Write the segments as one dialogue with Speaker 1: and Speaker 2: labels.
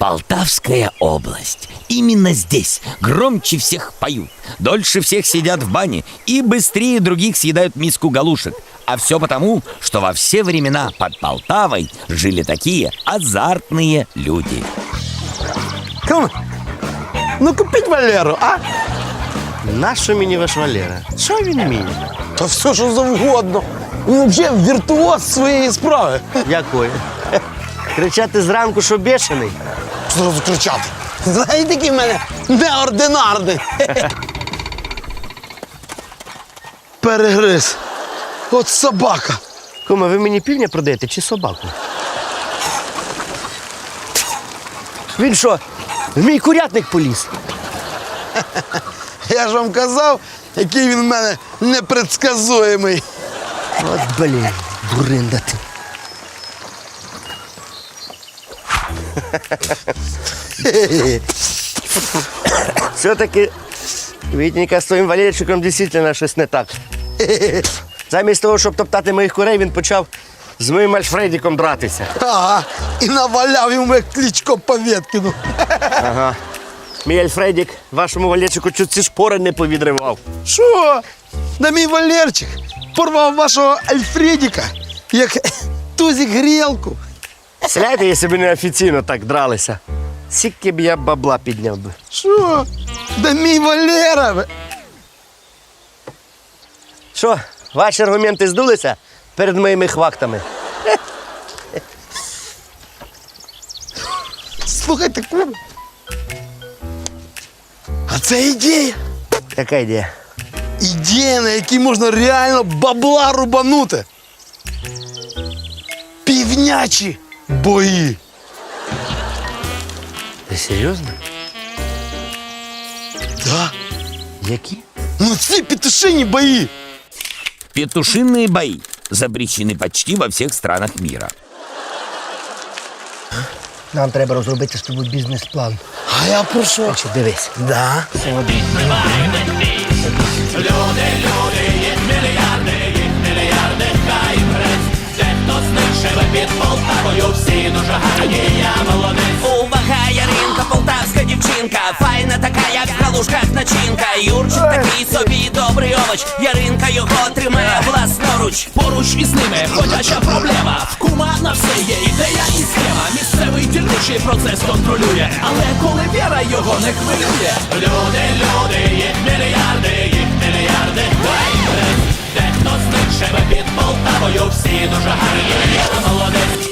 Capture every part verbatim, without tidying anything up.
Speaker 1: Полтавская область. Именно здесь громче всех поют, дольше всех сидят в бане и быстрее других съедают миску галушек. А все потому, что во все времена под Полтавой жили такие азартные люди.
Speaker 2: Кум, ну купіть Валеру, а?
Speaker 3: Нащо мені ваш Валера? Що він вміє?
Speaker 2: Та все, що завгодно. Він взагалі віртуоз своєї справи.
Speaker 3: Якої? Кричати зранку, що бешений?
Speaker 2: Зразу кричати. Знаєте, який в мене неординарний. Перегриз. От собака.
Speaker 3: Кума, ви мені півня продаєте чи собаку? Він що, в мій курятник поліз?
Speaker 2: Я ж вам казав, який він в мене непредсказуємий.
Speaker 3: От, блін, дуринда ти. Все-таки Вітніка з твоїм Валерчиком дійсно щось не так. Замість того, щоб топтати моїх курей, він почав з моїм Альфредіком дратися.
Speaker 2: Ага, і наваляв йому як Кличко Повєткіну.
Speaker 3: Ага. Мій Альфредік вашому Валерчику чуть ці шпори не повідривав.
Speaker 2: Що? Да мій Валерчик порвав вашого Альфредіка, як тузик грілку.
Speaker 3: Сляйте, якщо б не офіційно так дралися. Скільки б я бабла підняв би.
Speaker 2: Що? Да мій Валера.
Speaker 3: Що, ваші аргументи здулися перед моїми хвактами?
Speaker 2: Слухайте, кум. А це ідея.
Speaker 3: Яка ідея?
Speaker 2: Ідея, на якій можна реально бабла рубанути. Півнячі бої.
Speaker 3: Ти серйозно?
Speaker 2: Да.
Speaker 3: Які?
Speaker 2: Ну ці петушині бої.
Speaker 1: Петушиные бои запрещены почти во всех странах мира.
Speaker 3: Нам треба розробити з тобою бізнес-план.
Speaker 2: А я про що?
Speaker 3: Значить, дивись.
Speaker 2: Да.
Speaker 4: Увага, Яринка, полтавська дівчинка, файна така, як в галушках начинка. Юрчик такий собі добрий овоч, Яринка його тримає власноруч.
Speaker 5: Поруч із ними ходяча проблема. В кума на все є ідея і схема. Місцевий дільничий процес контролює, але коли віра його не хвилює. Люди, люди, їх мільярди, їх мільярди. Дехто з них живе під Полтавою, всі дуже гарні, я молодець.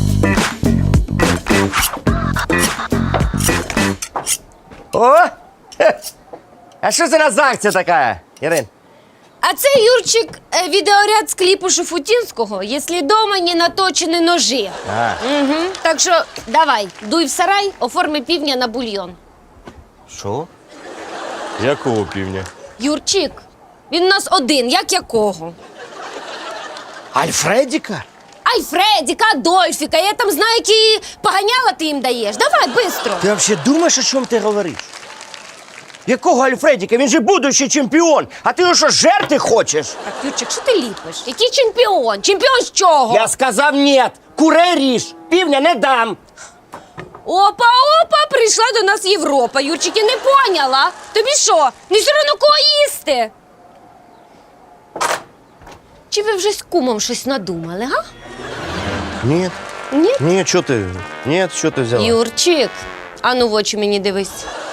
Speaker 3: О! Хе. А що це за акція така, Ірин?
Speaker 6: А це, Юрчик, е, відеоряд з кліпу Шуфутінського, «Якщо дома не наточені ножі».
Speaker 3: А.
Speaker 6: Угу. Так що давай, дуй в сарай, оформи півня на бульйон.
Speaker 3: Що? Якого півня?
Speaker 6: Юрчик, він у нас один, як якого?
Speaker 3: Альфредіка?
Speaker 6: Альфредіка, Адольфіка, я там знаю, які поганяла ти їм даєш. Давай, бистро.
Speaker 3: Ти взагалі думаєш, о чому ти говориш? Якого Альфредіка? Він же будущий чемпіон. А ти його що, жерти хочеш?
Speaker 6: Так, Юрчик, що ти ліпиш? Який чемпіон? Чемпіон з чого?
Speaker 3: Я сказав ні. Курей ріж. Півня не дам.
Speaker 6: Опа, опа, прийшла до нас Європа. Юрчик, я не поняла. Тобі що, не все одно кого їсти? Чи ви вже з кумом щось надумали, га?
Speaker 3: Ні.
Speaker 6: Ні?
Speaker 3: Ні, що ти? Ні, що ти взяла?
Speaker 6: Юрчик, а ну в очі мені дивись.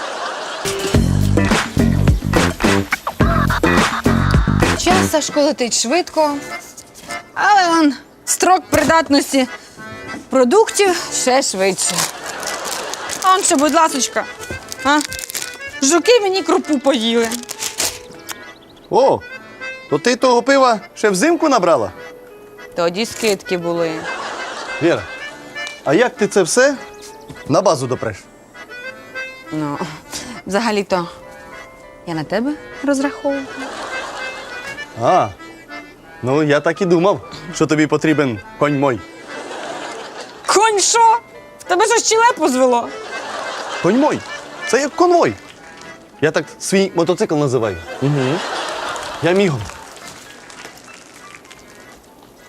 Speaker 7: Час Сашко летить швидко, але он строк придатності продуктів ще швидше. А он що, будь ласочка, а? Жуки мені крупу поїли.
Speaker 8: О, то ти того пива ще взимку набрала?
Speaker 7: Тоді скидки були.
Speaker 8: Віра, а як ти це все на базу допреш?
Speaker 7: Ну, взагалі-то я на тебе розраховувала.
Speaker 8: А, ну я так і думав, що тобі потрібен конь мой.
Speaker 7: Конь що? В тебе що щелепу звело?
Speaker 8: Конь мой, це як конвой. Я так свій мотоцикл називаю. Угу. Я мігом.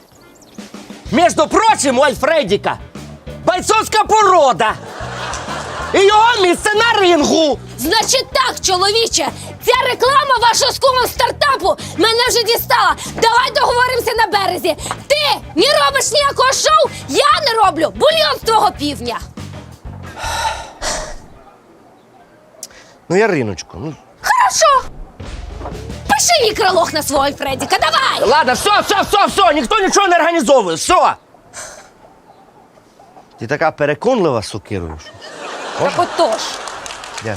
Speaker 3: Между прочим, у Альфредіка бойцовська порода. І його місце на рингу.
Speaker 6: Значить так, чоловіче, ця реклама вашого з кумом стартапу мене вже дістала. Давай договоримося на березі. Ти не робиш ніякого шоу, я не роблю бульйон з твого півня.
Speaker 3: Ну, Яриночко, ну.
Speaker 6: Хорошо. Пиши мікролог на свого Альфредіка, давай.
Speaker 3: Ладно, все, все, все, все, ніхто нічого не організовує, все. Ти така переконлива, сокирою. що-
Speaker 6: Так отож.
Speaker 3: Дякую.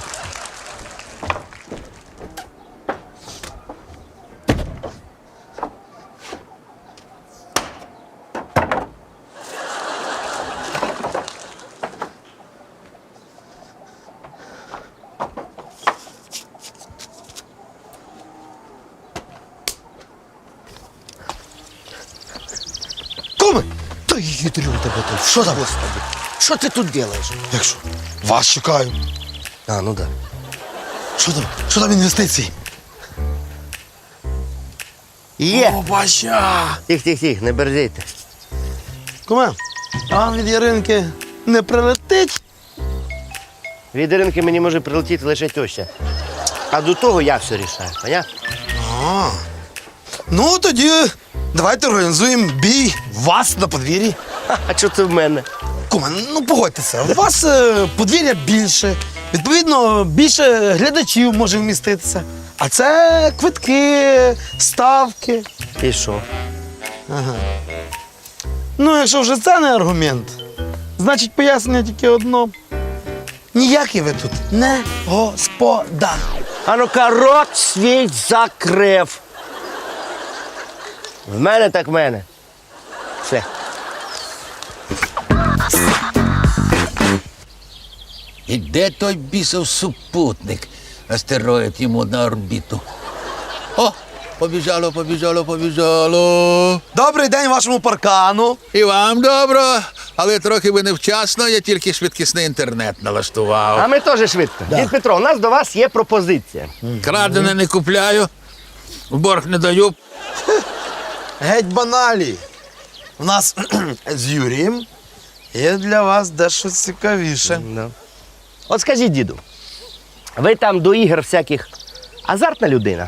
Speaker 2: Куми! Та їдрю тебе тут. Що там?
Speaker 3: Що ти тут робиш?
Speaker 2: Як що? Вас чекаю.
Speaker 3: А, ну так.
Speaker 2: Що там? Що там інвестиції?
Speaker 3: Є.
Speaker 2: Опача!
Speaker 3: Тих, тих, тих, не бердійте.
Speaker 2: Куме, а вам від Яринки не прилетить?
Speaker 3: Від Іринки мені може прилетіти лише теща. А до того я все рішаю, понятно?
Speaker 2: А. Ну, тоді давайте організуємо бій вас на подвір'ї.
Speaker 3: А що це в мене?
Speaker 2: Куме, ну погодьтеся, у вас е, подвір'я більше, відповідно, більше глядачів може вміститися. А це квитки, ставки.
Speaker 3: І що?
Speaker 2: Ну, якщо вже це не аргумент, значить пояснення тільки одно. Ніякий ви тут не господар.
Speaker 3: А ну-ка, рот свій закрив. В мене так в мене. Все.
Speaker 9: І де той бісов супутник? Астероїд йому на орбіту. О, побіжало, побіжало, побіжало.
Speaker 2: Добрий день вашому паркану.
Speaker 9: І вам добро, але трохи ви невчасно, я тільки швидкісний інтернет налаштував.
Speaker 3: А ми теж швидко. Дід Петро, у нас до вас є пропозиція.
Speaker 9: Крадене не купляю, в борг не даю.
Speaker 2: Геть баналі. У нас з Юрієм є для вас дещо цікавіше.
Speaker 3: Да. От скажіть, діду, ви там до ігор всяких азартна людина?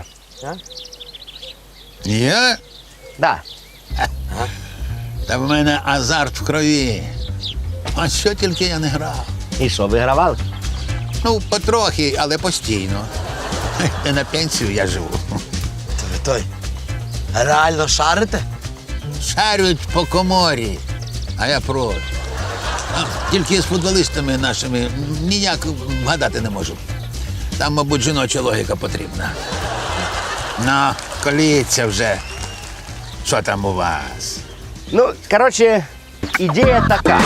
Speaker 9: Я?
Speaker 3: Да.
Speaker 9: Та в мене азарт в крові. А що тільки я не грав.
Speaker 3: І що, вигравали?
Speaker 9: Ну, потрохи, але постійно. Не на пенсію я живу.
Speaker 2: То ви той реально шарите?
Speaker 9: Шарюють по коморі, а я проти. А, Тільки з футболістами нашими ніяк вгадати не можу. Там, мабуть, жіноча логіка потрібна. Ну, коліться вже. Що там у вас?
Speaker 3: Ну, коротше, ідея така.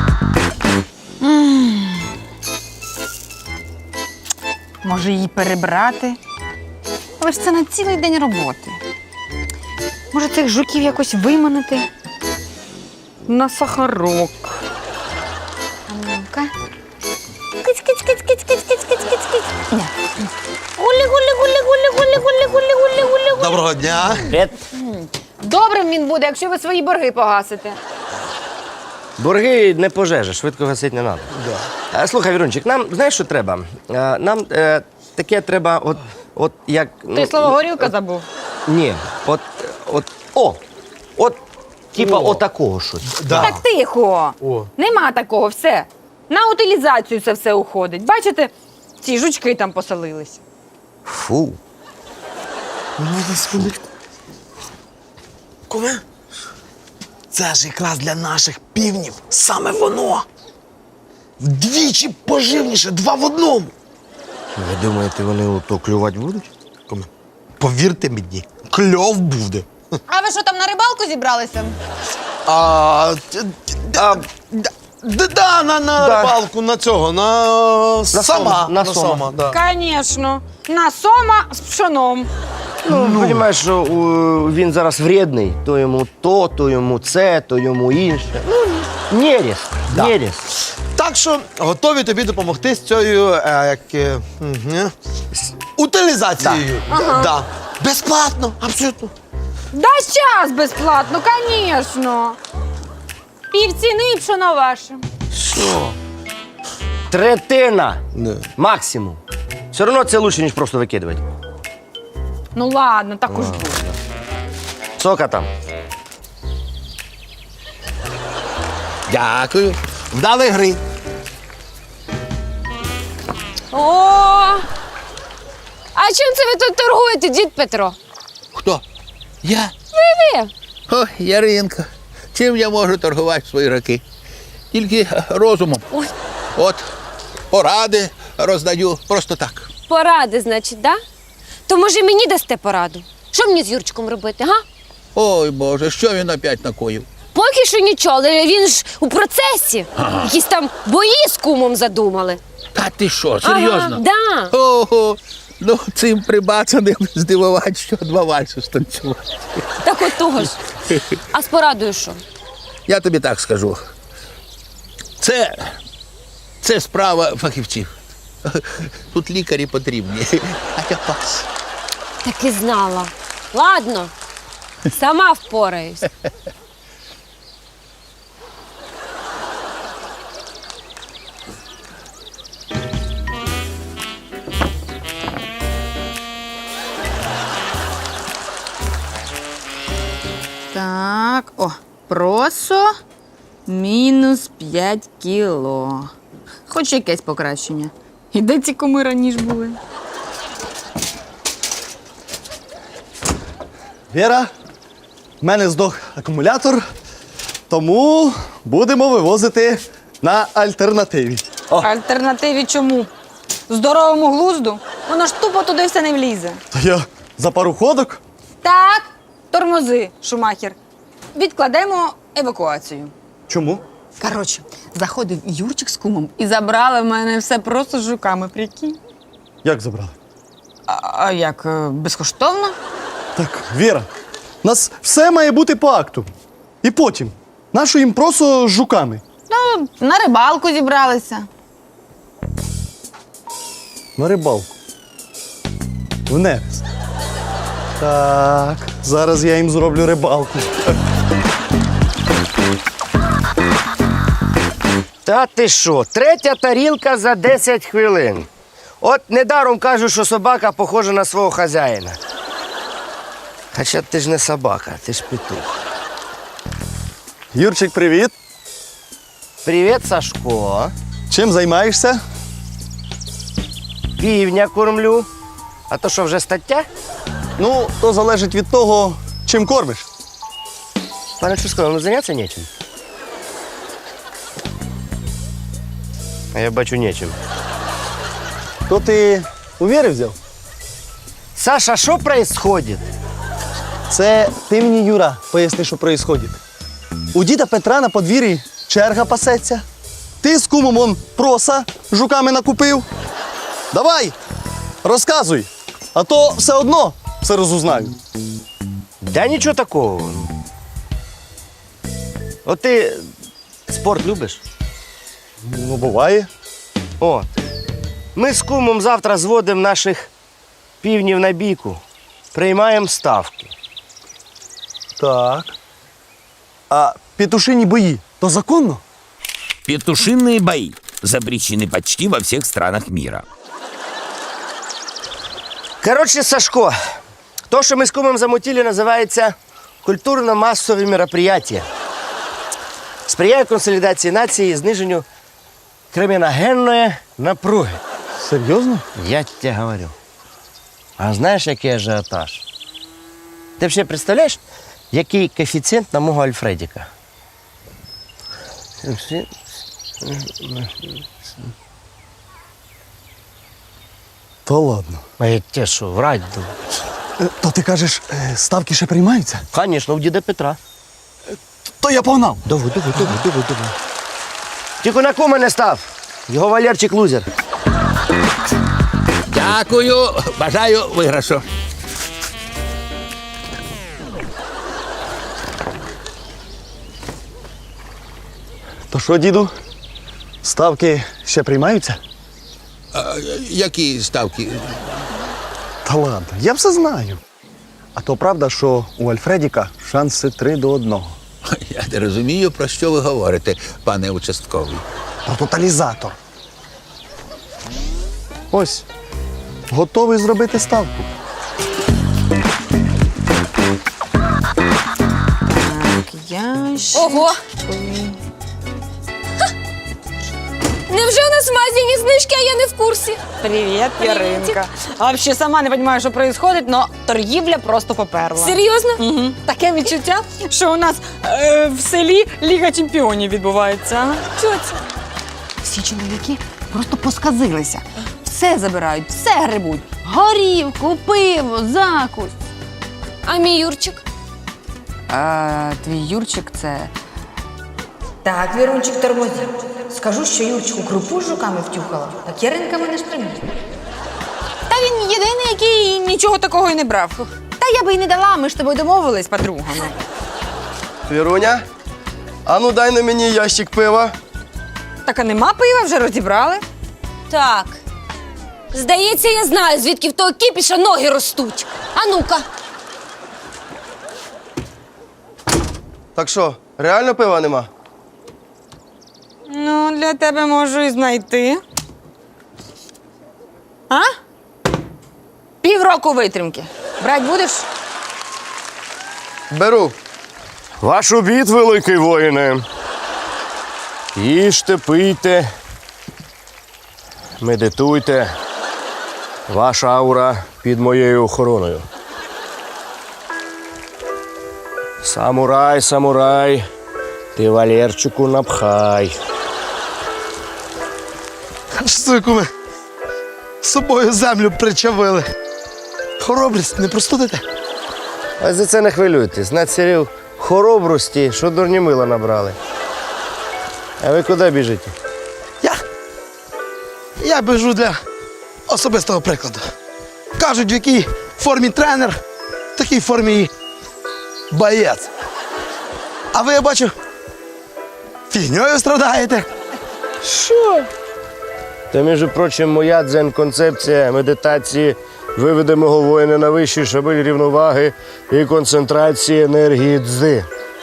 Speaker 7: Може її перебрати? Але ж це на цілий день роботи. Може цих жуків якось виманити? На сахарок. А ну-ка. Киць, киць, киць, киць, киць, киць, киць, киць, киць. Ня. Гулі, гулі, гулі, гулі, гулі, гулі, гулі, гулі, гулі, гулі.
Speaker 2: Доброго дня.
Speaker 3: Привіт.
Speaker 7: Добрим він буде, якщо ви свої борги погасите.
Speaker 3: Борги не пожежа, швидко гасити не треба. Да. Слухай, Вірунчик, нам знаєш, що треба? Е, Нам е, таке треба, от, от як.
Speaker 7: Ти слово горілка забув?
Speaker 3: Ні, от, от, о, от, типа отакого щось.
Speaker 2: Да.
Speaker 7: Так тихо.
Speaker 2: О.
Speaker 7: Нема такого, все. На утилізацію це все уходить. Бачите, ці жучки там поселились.
Speaker 3: Фу.
Speaker 2: Ну, на секундочку. Куме? Це ж якраз для наших півнів саме воно. Вдвічі поживніше, два в одному.
Speaker 3: Ви думаєте, вони ото клювати будуть?
Speaker 2: Куме, повірте мені, кльов буде.
Speaker 7: А ви що там на рибалку зібралися?
Speaker 2: А, т- т-
Speaker 3: А,
Speaker 2: д- д- да, на, на
Speaker 3: Да.
Speaker 2: рибалку, на цього, на, сама.
Speaker 3: сома, на
Speaker 2: на
Speaker 3: сома.
Speaker 2: сома, да.
Speaker 7: Звісно. На сома з пшоном.
Speaker 3: Ну, розумієш, що у, він зараз вредний, то йому то, то йому це, то йому інше. Ну, нерест,
Speaker 2: Да.
Speaker 3: нерест.
Speaker 2: Так що готові тобі допомогти з цією е, як, е, мгм, з утилізацією. Да. Безплатно, абсолютно.
Speaker 7: Дай час безплатно, звісно. Півціни і пшоно ваше.
Speaker 3: Що? Третина.
Speaker 8: Да.
Speaker 3: Максимум. Все одно це лучше, ніж просто викидувати.
Speaker 7: Ну ладно, так уж буде.
Speaker 3: Сока там.
Speaker 9: Дякую. Вдали гри.
Speaker 6: О! А чим це ви тут торгуєте, дід Петро?
Speaker 9: Хто? Я?
Speaker 6: Ви ви.
Speaker 9: О, Яринка. Чим я можу торгувати в свої роки? Тільки розумом.
Speaker 6: Ой.
Speaker 9: От, поради роздаю просто так.
Speaker 6: Поради, значить, да? То може мені дасте пораду? Що мені з Юрчиком робити, га?
Speaker 9: Ой, Боже, що він опять накоїв?
Speaker 6: Поки що нічого, але він ж у процесі. Якісь там бої з кумом задумали.
Speaker 9: Та ти що, серйозно?
Speaker 6: Ага, да.
Speaker 9: Ого, ну цим прибацаним здивувати, що два вальси станцювати.
Speaker 6: Так от того ж. А з порадою що?
Speaker 9: Я тобі так скажу. Це, це справа фахівців. Тут лікарі потрібні. А я пас.
Speaker 6: Так і знала. Ладно, сама впораюсь.
Speaker 7: Так, о, просо мінус п'ять кіло. Хоч якесь покращення. І де ці куми раніше були?
Speaker 8: Віра, в мене здох акумулятор, тому будемо вивозити на альтернативі.
Speaker 7: Альтернативі чому? Здоровому глузду? Воно ж тупо туди все не влізе.
Speaker 8: Та я за пару ходок.
Speaker 7: Так, тормози, Шумахер. Відкладемо евакуацію.
Speaker 8: Чому?
Speaker 7: Коротше, заходив Юрчик з кумом і забрали в мене все просто з жуками, прикинь.
Speaker 8: Як забрали?
Speaker 7: А, а як, е, безкоштовно?
Speaker 8: Так, Віра, у нас все має бути по акту. І потім, нашу їм просто з жуками.
Speaker 7: Ну, на рибалку зібралися.
Speaker 8: На рибалку. В нерест. Так, зараз я їм зроблю рибалку.
Speaker 3: Та ти що? Третя тарілка за десять хвилин. От недаром кажуть, що собака похожа на свого хазяїна. Хоча ти ж не собака, ти ж петух.
Speaker 8: Юрчик, привіт.
Speaker 3: Привіт, Сашко.
Speaker 8: Чим займаєшся?
Speaker 3: Півня кормлю. А то що, вже стаття?
Speaker 8: Ну, то залежить від того, чим кормиш.
Speaker 3: Пане Чуско, вам зайнятися нечим? А я бачу нечим.
Speaker 8: То ти у Віри взяв?
Speaker 3: Саша, що происходит?
Speaker 8: Це ти мені, Юра, поясни, що відбувається. У діда Петра на подвір'ї черга пасеться. Ти з кумом он проса жуками накупив. Давай, розказуй, а то все одно все розузнаю.
Speaker 3: Да нічого такого. От ти спорт любиш?
Speaker 8: Ну, буває.
Speaker 3: От. Ми з кумом завтра зводимо наших півнів на бійку. Приймаємо ставки.
Speaker 8: Так. А петушині бої то законно?
Speaker 1: Петушиные бои запрещены почти во всех странах мира.
Speaker 3: Коротше, Сашко, то, що ми з кумом замутили, називається культурно-масові мероприятия. Сприяє консолідації нації і зниженню криміногенної напруги.
Speaker 8: Серйозно?
Speaker 3: Я тебе говорю. А знаєш, який ажіотаж? Ти взагалі представляєш, який коефіцієнт на мого Альфредіка?
Speaker 8: Та ладно.
Speaker 3: А я тебе що, врать думаю?
Speaker 8: Е, То ти кажеш, е, ставки ще приймаються?
Speaker 3: Звісно, у діда Петра.
Speaker 8: То я погнав.
Speaker 3: Давай, давай, давай, давай, давай. Тільки на кума не став. Його Валерчик лузер.
Speaker 9: Дякую, бажаю виграшу.
Speaker 8: То що, діду? Ставки ще приймаються?
Speaker 9: А, які ставки?
Speaker 8: Та ладно, я все знаю. А то правда, що у Альфредіка шанси три до одного.
Speaker 9: Я не розумію, про що ви говорите, пане участковий.
Speaker 8: Про тоталізатор. Ось. Готовий зробити ставку.
Speaker 7: Ящик.
Speaker 6: Ого! Невже у нас в магазині знижки, а я не в курсі?
Speaker 7: Привіт, Яринка. А взагалі сама не розумію, що відбувається, але торгівля просто поперла.
Speaker 6: Серйозно?
Speaker 7: Угу. Таке відчуття, що у нас е, в селі Ліга Чемпіонів відбувається.
Speaker 6: Що це?
Speaker 7: Всі чоловіки просто посказилися. Все забирають, все грибуть. Горівку, пиво, закусь.
Speaker 6: А мій Юрчик?
Speaker 7: А твій Юрчик це. Так, Вірунчик, тормозі. Скажу, що Юрчику крупу з жуками втюхала, так Яринка мене ж примість. Та він єдиний, який нічого такого і не брав. Та я би і не дала, ми ж з тобою домовились, подругами.
Speaker 8: Віруня, а ну дай на мені ящик пива.
Speaker 7: Так а нема пива, вже розібрали.
Speaker 6: Так. Здається, я знаю, звідки в того кіпіша ноги ростуть. А ну-ка.
Speaker 8: Так що, реально пива нема?
Speaker 7: Ну, для тебе можу і знайти. А? Півроку витримки. Брать будеш?
Speaker 8: Беру.
Speaker 3: Ваш обід, великий воїне. Їжте, пийте, медитуйте. Ваша аура під моєю охороною. Самурай, самурай, ти Валерчику напхай.
Speaker 2: Що куми? З собою землю причавили. Хоробрість, не простудите?
Speaker 3: А за це не хвилюйтесь. Націрів хоробрості, що дурні мила набрали. А ви куди біжите?
Speaker 2: Я? Я біжу для особистого прикладу. Кажуть, в якій формі тренер, в такій формі і боєць. А ви, я бачу, фігньою страдаєте.
Speaker 3: Що? Та, між прочим, моя дзен-концепція медитації виведе мого воїна на вищий шабель рівноваги і концентрації енергії дзи.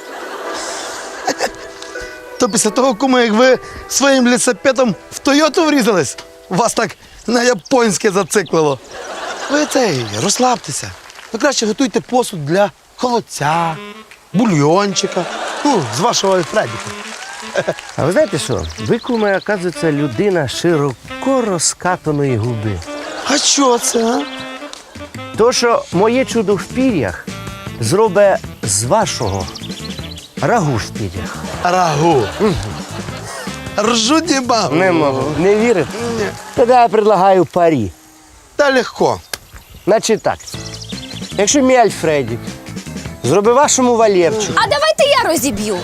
Speaker 2: То після того, куми, як ви своїм лісапетом в Тойоту врізались, вас так на японське зациклило. Ви цей, розслабтеся. Ви краще готуйте посуд для холодця, бульйончика, ну, з вашого Альфредіка.
Speaker 3: А ви знаєте що? Ви, куме, оказується, людина широко розкатаної губи.
Speaker 2: А що це, а?
Speaker 3: То, що моє чудо в пір'ях зробить з вашого рагу в пір'ях.
Speaker 2: Рагу. Ржу не могу.
Speaker 3: Не можу. Не вірите?
Speaker 2: Ні.
Speaker 3: Тоді я предлагаю парі.
Speaker 2: Та легко.
Speaker 3: Значить так, якщо мій Альфредік зробить вашому Валерчику,
Speaker 6: А давайте я розіб'ю.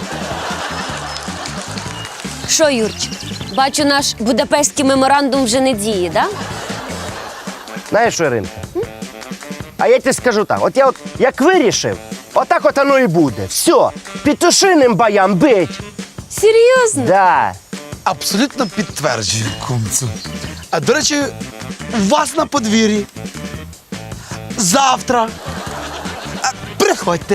Speaker 6: Що, Юрчик, бачу, наш Будапештський меморандум вже не діє, да?
Speaker 3: знаєш що, Іринка? А я тобі скажу так, от я от як вирішив, отак от воно і буде. Все, петушиним боям бить.
Speaker 6: Серйозно?
Speaker 3: Да.
Speaker 2: Абсолютно підтверджую, кумцю. А до речі, у вас на подвір'ї. Завтра. А, приходьте.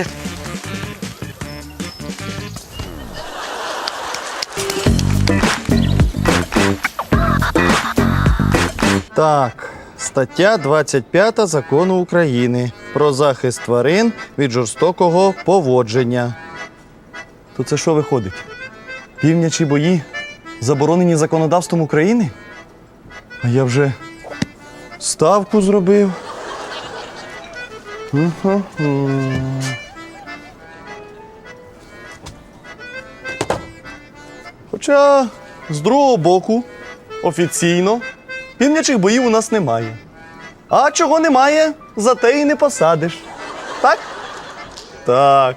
Speaker 8: Так, стаття двадцять п'ята Закону України про захист тварин від жорстокого поводження. То це що виходить? Півнячі бої заборонені законодавством України? А я вже ставку зробив. Ху-ху-ху. Хоча, з другого боку, офіційно, півнячих боїв у нас немає. А чого немає, зате і не посадиш. Так? Так.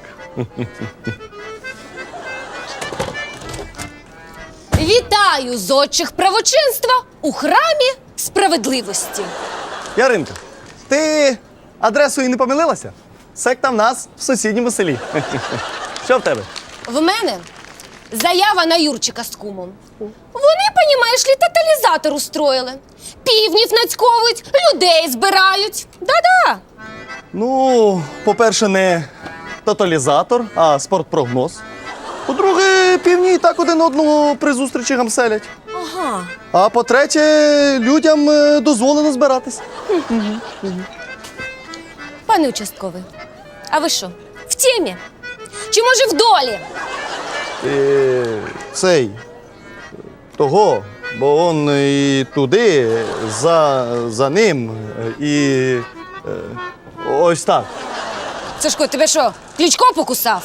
Speaker 6: Вітаю зодчих правочинства у храмі справедливості.
Speaker 8: Яринка, ти адресою не помилилася? Секта в нас в сусідньому селі. Що в тебе?
Speaker 6: В мене заява на Юрчика з кумом. Вони, понімаєш лі, тоталізатор устроїли. Півнів нацьковують, людей збирають. Да-да.
Speaker 8: Ну, по-перше, не тоталізатор, а спортпрогноз. По-друге, півні і так один одного при зустрічі гамселять.
Speaker 6: Ага.
Speaker 8: А по-третє, людям е, дозволено збиратись.
Speaker 6: Пане участковий, а ви що? В темі? Чи може в долі?
Speaker 8: Е, цей того, бо он і туди, за, за ним, е, і е, ось так.
Speaker 6: Сашко, тебе що, Кличко покусав?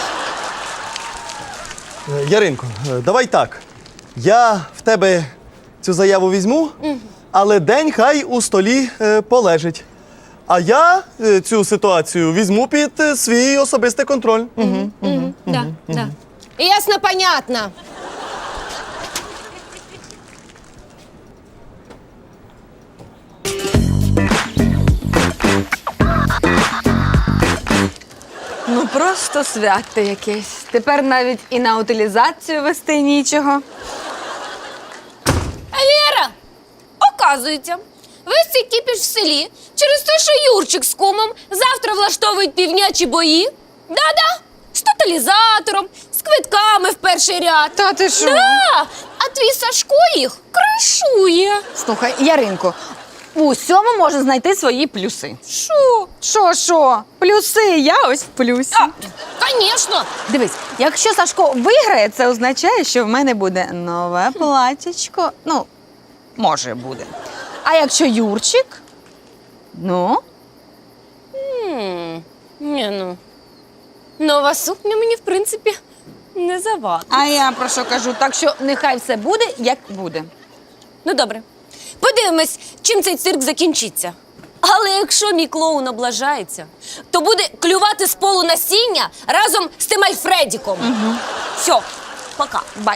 Speaker 8: Е, Яринко, е, давай так. Я в тебе цю заяву візьму, але день хай у столі е, полежить. А я е, цю ситуацію візьму під е, свій особистий контроль. Угу.
Speaker 6: Да, да. Ясно, понятно.
Speaker 7: Ну просто свято якесь. Тепер навіть і на утилізацію вести нічого.
Speaker 6: Віра, оказується, весь цей кіпіш в селі через те, що Юрчик з кумом завтра влаштовують півнячі бої. Да-да, з тоталізатором, з квитками в перший ряд.
Speaker 7: Та ти що?
Speaker 6: Да, а твій Сашко їх кришує.
Speaker 7: Слухай, Яринко, у всьому можна знайти свої плюси.
Speaker 6: Що?
Speaker 7: Що, що? Плюси, я ось в плюсі.
Speaker 6: А, звісно.
Speaker 7: Дивись, якщо Сашко виграє, це означає, що в мене буде нове платячко. Ну, може буде. А якщо Юрчик, ну,
Speaker 6: Ні, ну, нова сукня мені, в принципі, не завадить.
Speaker 7: а я про що кажу? Так що нехай все буде, як буде.
Speaker 6: Ну, добре. Подивимось, чим цей цирк закінчиться. Але якщо мій клоун облажається, то буде клювати з полу насіння разом з тим Альфредіком. Угу. Все, пока.
Speaker 7: Бай.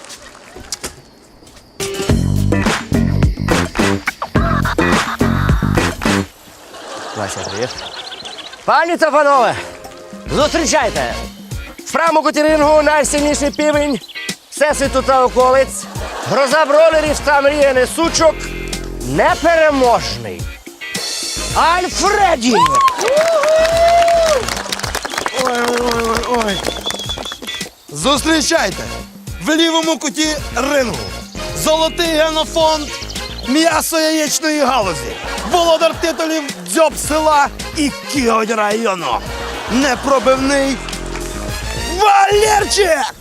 Speaker 3: Вася, привіт. Пані та панове, зустрічайте! В праму рингу найсильніший півень всесвіту та околиць, гроза бролерів та мріяний сучок, непереможний Альфреді!
Speaker 2: Ой-ой-ой-ой. Зустрічайте! В лівому куті рингу. Золотий генофонд м'ясо-яєчної галузі. Володар титулів дзьоб села і кіготь району. Непробивний Валерчик!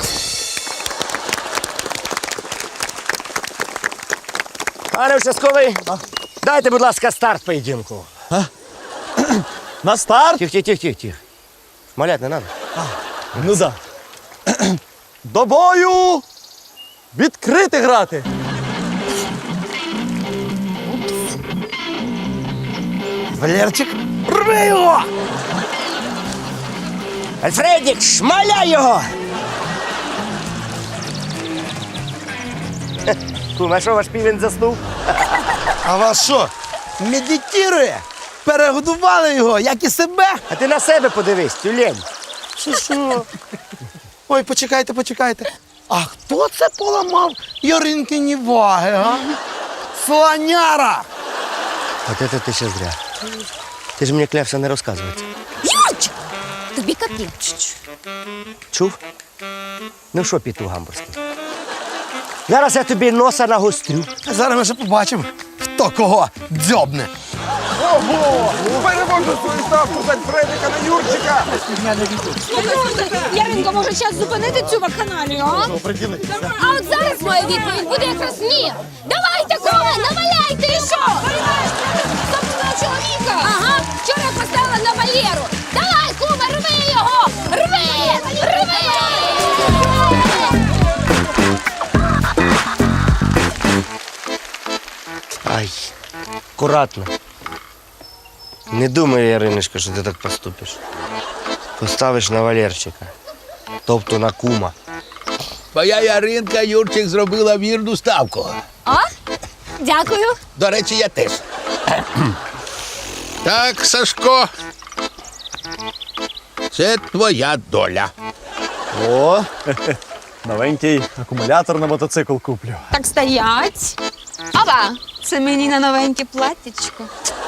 Speaker 3: Пане участковий, дайте, будь ласка, старт поєдинку.
Speaker 8: На старт?
Speaker 3: Тих, тих, тих, тих, тих. Малять не надо.
Speaker 8: Ну да. До бою! Відкрити грати!
Speaker 2: Валерчик, рви його!
Speaker 3: Альфредік, шмаляй його! Хе, Кум, а що ваш півень заснув?
Speaker 2: А вас що, медитує? Перегодували його, як і себе?
Speaker 3: А ти на себе подивись, тюлень.
Speaker 2: Що, що? Ой, почекайте, почекайте. А хто це поламав Яринкині ваги, а? Слоняра!
Speaker 3: От це ти ще зря. Ти ж мені клявся не розказувати.
Speaker 6: Юрчик! Тобі капець.
Speaker 3: Чув? Ну що, піту гамбурзький? Зараз я тобі носа нагострю.
Speaker 2: Зараз ми ще побачимо, хто кого дзьобне.
Speaker 6: Яринко, може час зупинити цю вакханалію, а? А от зараз моя відповідь буде якраз ні. Давайте, куме, наваляйте і що? Собственного чоловіка. Ага, вчора я поставила на Валеру. Давай, куме, рви його! Рви! Рви!
Speaker 3: Ай, акуратно. Не думай, Яриночка, що ти так поступиш. Поставиш на Валерчика, тобто на кума.
Speaker 9: Твоя Яринка, Юрчик, зробила вірну ставку.
Speaker 6: О, дякую.
Speaker 9: До речі, я теж. Так, Сашко. Це твоя доля.
Speaker 8: О, новенький акумулятор на мотоцикл куплю.
Speaker 7: Так стоять. Ава, це мені на новеньке платтячко.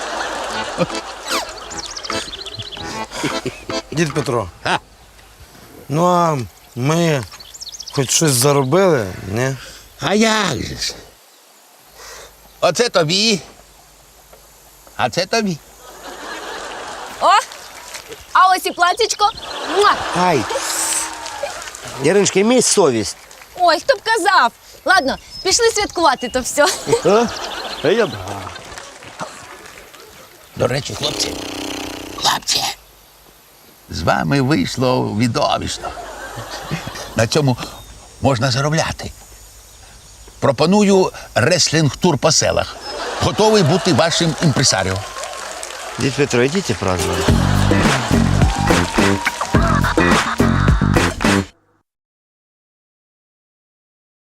Speaker 2: Дід Петро,
Speaker 9: А?
Speaker 2: ну а ми хоч щось заробили, ні?
Speaker 9: А як же ж? Оце тобі. А це тобі.
Speaker 6: О! А ось і платічко. Муа!
Speaker 3: Ай. Яриночка, імей совість.
Speaker 6: Ой, хто б казав. Ладно, пішли святкувати то все.
Speaker 8: А? А я б.
Speaker 9: До речі, хлопці, хлопці, з вами вийшло відомішно. На цьому можна заробляти. Пропоную реслінг-тур по селах. Готовий бути вашим імпресаріо.
Speaker 3: Дід Петро, йдіть празднувати.